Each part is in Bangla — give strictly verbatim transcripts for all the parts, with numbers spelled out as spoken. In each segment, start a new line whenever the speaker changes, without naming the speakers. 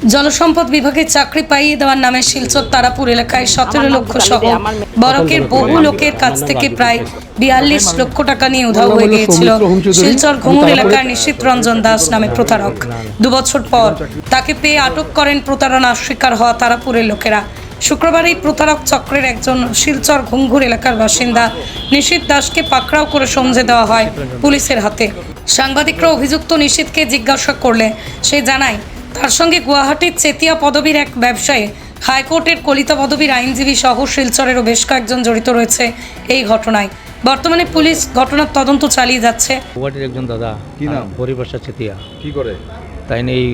জলসম্পদ বিভাগে চাকরি পাইয়ে দেওয়ার নামে শিলচর তারাপুর এলাকায় সতেরো লক্ষ সহ বরকের বহু লোকের কাছ থেকে প্রায় বিয়াল্লিশ লক্ষ টাকা নিয়ে উধাও হয়ে গিয়েছিল শিলচর ঘুঙুর এলাকার নিশীথ রঞ্জন দাস নামে প্রতারক। দুবছর পর তাকে পেয়ে আটক করেন প্রতারণার শিকার হওয়া তারাপুরের লোকেরা। শুক্রবার এই প্রতারক চক্রের একজন শিলচর ঘুঙুর এলাকার বাসিন্দা নিশীথ দাসকে পাকড়াও করে সমঝে দেওয়া হয় পুলিশের হাতে। সাংবাদিকরা অভিযুক্ত নিশীথকে জিজ্ঞাসা করলে সে জানায় তার সঙ্গে গুয়াহাটির চেতিয়া পদবীর এক ব্যবসায়ী, হাইকোর্টের কলিতা পদবীর আইনজীবী সহ শিলচরেরও বেশ কয়েকজন জড়িত রয়েছে এই ঘটনায়। বর্তমানে পুলিশ ঘটনার তদন্ত চালিয়ে যাচ্ছে।
গুয়াহাটির একজন দাদা, কি নাম? হরিপ্রসাদ চেতিয়া।
কি করে?
তাই এই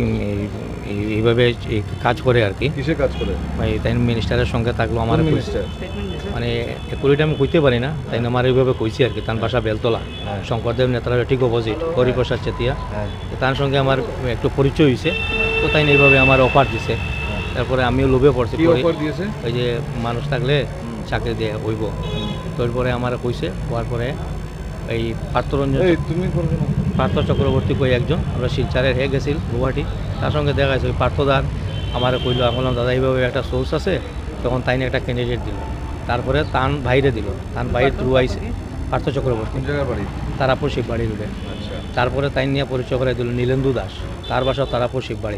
এইভাবে কাজ করে আর কি।
কিসে কাজ করে?
ভাই তাই মিনিস্টারের সঙ্গে থাকলো আমার মানে একুরিটা আমি কইতে পারি না, তাই আমার এইভাবে কইছি আর কি। তার বাসা বেলতলা, শঙ্করদেব নেতারা ঠিক অপোজিট হরিপ্রসাদ চেতিয়া। তার সঙ্গে আমার একটু পরিচয় হয়েছে, তো তাই এইভাবে আমার অফার দিছে। তারপরে আমিও লোভে পড়ছি, ওই যে মানুষ থাকলে চাকরি দিয়ে হইব। তারপরে আমার কইছে, হওয়ার পরে এই পার্থরঞ্জন তুমি পার্থ চক্রবর্তী কই একজন, আমরা শিলচারের হয়ে গেছিল গুয়াহাটি, তার সঙ্গে দেখা গেছে ওই পার্থদার আমার কইলো, আমি বললাম দাদা এইভাবে একটা সোর্স আছে, তখন তাই একটা ক্যান্ডিডেট দিল। তারপরে তান বাইরে দিল, তান বাইরে থ্রু আইসে পার্থ চক্রবর্তী বাড়ি তারাপুর শিববাড়ি রোডে। তারপরে তাই নিয়ে পরিচয় করে দিল নীলেন্দু দাস, তার বাসা তারাপুর শিববাড়ি।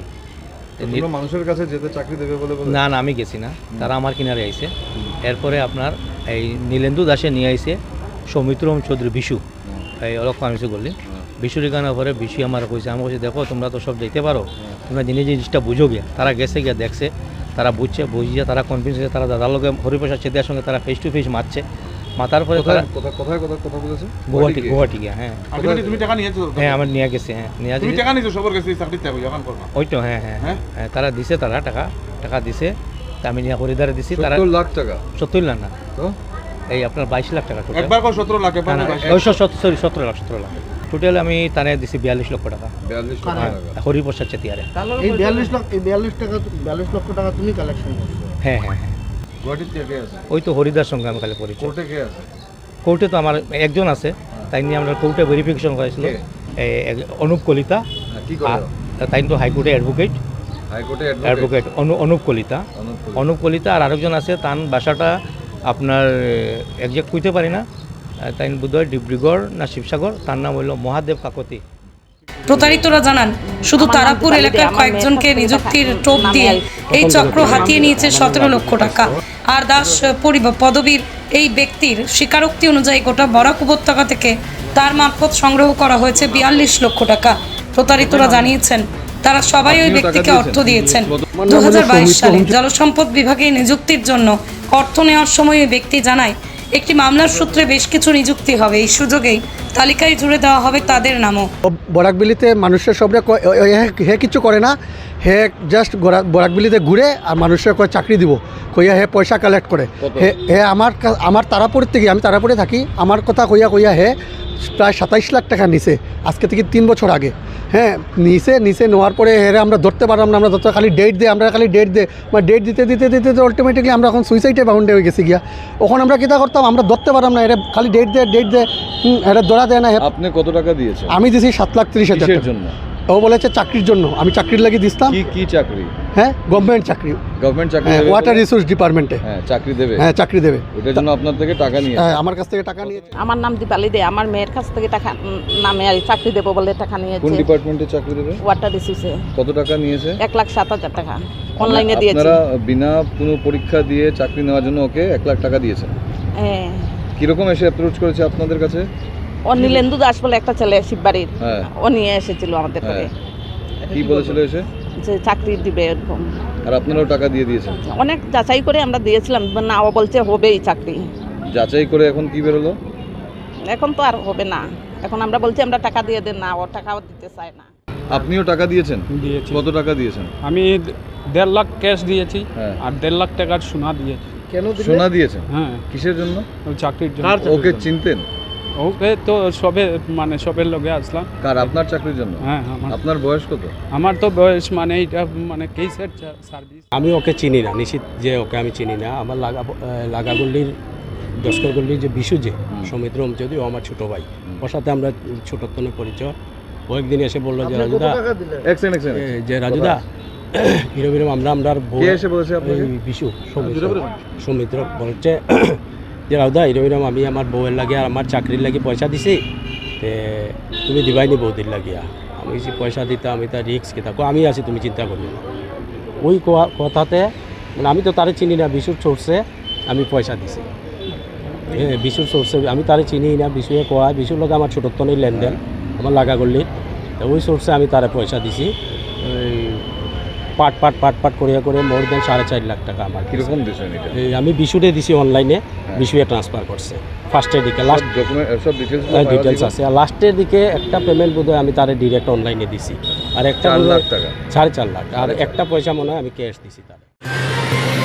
মানুষের কাছে যেতে চাকরি দেবে বলে?
না না, আমি গেছি না, তারা আমার কিনারে আইসে। এরপরে আপনার এই নীলেন্দু দাসে নিয়ে আইসে সৌমিত্রম চৌধুরী বিশু, এই অলক্ষ আমি বললি বিশুর গানের পরে বিশু আমার কইছে, আমি বলছি দেখো তোমরা তো সব দেখতে পারো, তোমরা জিনিস জিনিসটা বুঝো গিয়া। তারা গেছে গিয়া দেখছে, তারা বুঝছে, বুঝিয়ে তারা কনভিন্স হয়েছে, তারা দাদার লোকে হরিপ্রসাদ চেতিয়ার সঙ্গে তারা ফেস টু ফেস মারছে। মাতার পরে তারা
কোথায় কথা কথা বলেছে?
গুয়াহাটি গুয়াহাটি গিয়া। হ্যাঁ
তুমি টাকা নিয়েছো?
হ্যাঁ আমার নিয়ে গেছে। হ্যাঁ নিয়ে
তুমি টাকা নিয়েছো সবার কাছে চাকরি চাইবো এখন করবা?
ওই তো হ্যাঁ হ্যাঁ হ্যাঁ তারা দিছে, তারা টাকা টাকা দিছে, আমি নিয়ে হরিদারে দিছি। তারা
সত্তর লাখ টাকা?
সত্তর লাখ না তো এই আপনার বাইশ লাখ টাকা টোটাল। একবার কত? সতেরো লাখ? সরি সতেরো লাখ সতেরো লাখ টোটাল আমি তানে দিছি বিয়াল্লিশ লক্ষ টাকা।
বিয়াল্লিশ লক্ষ টাকা
হরিপ্রসাদ চেতিয়ারে।
এই বিয়াল্লিশ লাখ এই বিয়াল্লিশ টাকা বিয়াল্লিশ লক্ষ টাকা তুমি কালেকশন করছো?
হ্যাঁ হ্যাঁ হ্যাঁ।
গুয়াহাটিতে কে আছে?
ওই তো হরিদার সঙ্গে আমি খালি পরিচয়।
কোর্টে কে আছে?
কোর্টে তো আমার একজন আছে, তাই নিয়ে আমরা কোর্টে ভেরিফিকেশন করেছিল, অনুপ কলিতা।
কি করে?
তাই তো হাইকোর্টে অ্যাডভোকেট,
হাইকোর্টে
অ্যাডভোকেট অনুপ কলিতা। অনুপ কলিতা আর আরেকজন আছে, তার বাসাটা আপনার একজ্যাক্ট কইতে পারি না, তাই বোধহয় ডিব্রুগড় না শিবসাগর, তার নাম হইল মহাদেব কাকতি।
প্রতারিতরা জানান শুধু তারাপুর এলাকার কয়েকজনকে নিযুক্তির টোপ দিয়ে এই চক্র হাতিয়ে নিয়েছে সতেরো লক্ষ টাকা। আর দাস পদবীর এই ব্যক্তির স্বীকারোক্তি অনুযায়ী গোটা বরাক উপত্যকা থেকে তার মারফত সংগ্রহ করা হয়েছে বিয়াল্লিশ লক্ষ টাকা। প্রতারিতরা জানিয়েছেন তারা সবাই ওই ব্যক্তিকে অর্থ দিয়েছেন। দু হাজার বাইশ সালে জলসম্পদ বিভাগে নিযুক্তির জন্য অর্থ নেওয়ার সময় ওই ব্যক্তি জানায় একটি মামলার সূত্রে বেশ কিছু নিযুক্তি হবে, এই সুযোগেই তালিকায় জুড়ে দেওয়া হবে তাদের নামও।
বরাকবিলিতে মানুষের সবরে হে কিছু করে না, হে জাস্ট বরাকবিলিতে ঘুরে আর মানুষের কয় চাকরি দিব কইয়া হে পয়সা কালেক্ট করে। হে হে আমার আমার তারাপুর থেকে, আমি তারাপুরে থাকি, আমার কথা কইয়া কইয়া হে প্রায় সাতাইশ লাখ টাকা নিছে আজকে থেকে তিন বছর আগে। হ্যাঁ নিচে নিচে নেওয়ার পরে হেরে আমরা ধরতে পারলাম না, আমরা ধরতে খালি ডেট দিয়ে আমরা খালি ডেট দিয়ে মানে ডেট দিতে দিতে দিতে দিতে আলটিমেটলি আমরা এখন সুইসাইডে বাউন্ডে হয়ে গেছি গিয়া। ওখানে আমরা কীটা করতাম, আমরা ধরতে পারলাম না, এটা খালি ডেট দিয়ে ডেট দিয়ে এটা ধরা দেয় না।
আপনি কত টাকা দিয়েছেন?
আমি দিয়েছি সাত লাখ তিরিশ হাজার জন্য। ও বলেছে চাকরির জন্য, আমি চাকরির লাগিয়ে দিতাম।
কি কি চাকরি? হ্যাঁ
গভর্নমেন্ট চাকরি।
গভর্নমেন্ট চাকরি?
ওয়াটার রিসোর্স ডিপার্টমেন্টে।
হ্যাঁ চাকরি দেবে?
হ্যাঁ চাকরি দেবে।
ওটার জন্য আপনার থেকে টাকা নিয়ে?
হ্যাঁ আমার কাছ থেকে টাকা নিয়েছে।
আমার নাম দীপালি দে, আমার মেয়ের কাছ থেকে টাকা নামে আর চাকরি দেবো বলে টাকা নিয়েছে।
কোন ডিপার্টমেন্টে চাকরি দেবে?
ওয়াটার রিসোর্সে।
কত টাকা নিয়েছে? এক
লাখ সাত হাজার টাকা অনলাইনে দিয়েছে।
আপনারা বিনা কোনো পরীক্ষা দিয়ে চাকরি নেওয়ার জন্য ওকে এক লাখ টাকা দিয়েছেন?
হ্যাঁ।
কিরকম এসে অ্যাপ্রোচ করেছে আপনাদের কাছে?
ও নীলেন্দু দাস বলে একটা ছেলে শিববাড়ির, ও নিয়ে এসেছিল আমাদের ঘরে।
কি বলেছিল এসে?
যে চাকরি দিবে এরকম।
আর আপনারাও টাকা দিয়ে দিয়েছেন?
অনেক যাচাই করে আমরা দিয়েছিলাম, না ও বলছে হবেই চাকরি।
যাচাই করে এখন কি বেরোলো?
এখন তো আর হবে না, এখন আমরা বলছি আমরা টাকা দিয়ে দেন, না ও টাকাও দিতে চায় না।
আপনিও টাকা দিয়েছেন?
দিয়েছি।
কত টাকা দিয়েছেন?
আমি দেড় লাখ ক্যাশ দিয়েছি আর দেড় লাখ টাকার সোনা দিয়েছি।
কেন সোনা দিয়েছেন?
হ্যাঁ।
কিসের জন্য?
চাকরির জন্য।
ওকে চিনতেন?
ওকে তো সবে মানে সবের লগে আসলাম।
কার? আপনার চাকরির জন্য?
হ্যাঁ।
আপনার বয়স কত?
আমার তো বয়স মানে এটা মানে কেসের সার্ভিস।
আমি ওকে চিনি না, নিশ্চিত যে ওকে আমি চিনি না। আমার লাগা লাগাগল্লির দশকরগল্লির যে বিশু যে সৌমিত্রম যদি ও আমার ছোটো ভাই, ওর সাথে আমরা ছোটোত্তনের পরিচয়। ও একদিন এসে বললো যে রাজুদা, যে রাজুদা এরকম এরকম আমরা আমরা বউ
কে এসে বলেছে আপনাকে?
এই বিশু সৌমিত্র সৌমিত্র বলছে যে রাউদা এরকম এরকম আমি আমার বউয়ের লাগে আর আমার চাকরির লাগে পয়সা দিছি তে তুমি দিবাইনি বৌদির লাগিয়া আমি যে পয়সা দিতে আমি তার রিক্স কে থাকো আমি আছি তুমি চিন্তা করি না ওই ক- কথাতে মানে আমি তো তারে চিনি না বিশুর সোর্সে আমি পয়সা দিছি হ্যাঁ বিশুর সোর্সে আমি তারে চিনি না বিশুয়ে কোয়া বিশুর লোক আমার ছোটোত্তনের লেনদেন আমার লাগা করলি তো ওই সোর্সে আমি তারে পয়সা দিছি ওই পাট পাট পাট পাট করিয়া করে মোর দেন সাড়ে চার লাখ টাকা আমার দিছে।
কিরকম দিয়েছেন এটা?
এই আমি বিশুরে দিছি অনলাইনে বিশুয়ে ট্রান্সফার করছে ফার্স্টের দিকে লাস্ট
ডকুমেন্ট সব ডিটেলস
ডিটেলস আছে আর লাস্টের দিকে একটা পেমেন্ট বোধহয় আমি তারে ডিরেক্ট অনলাইনে দিছি আর একটা
চার
বোধহয়
লাখ টাকা
সাড়ে চার লাখ আর একটা পয়সা মনে হয় আমি ক্যাশ দিছি তারে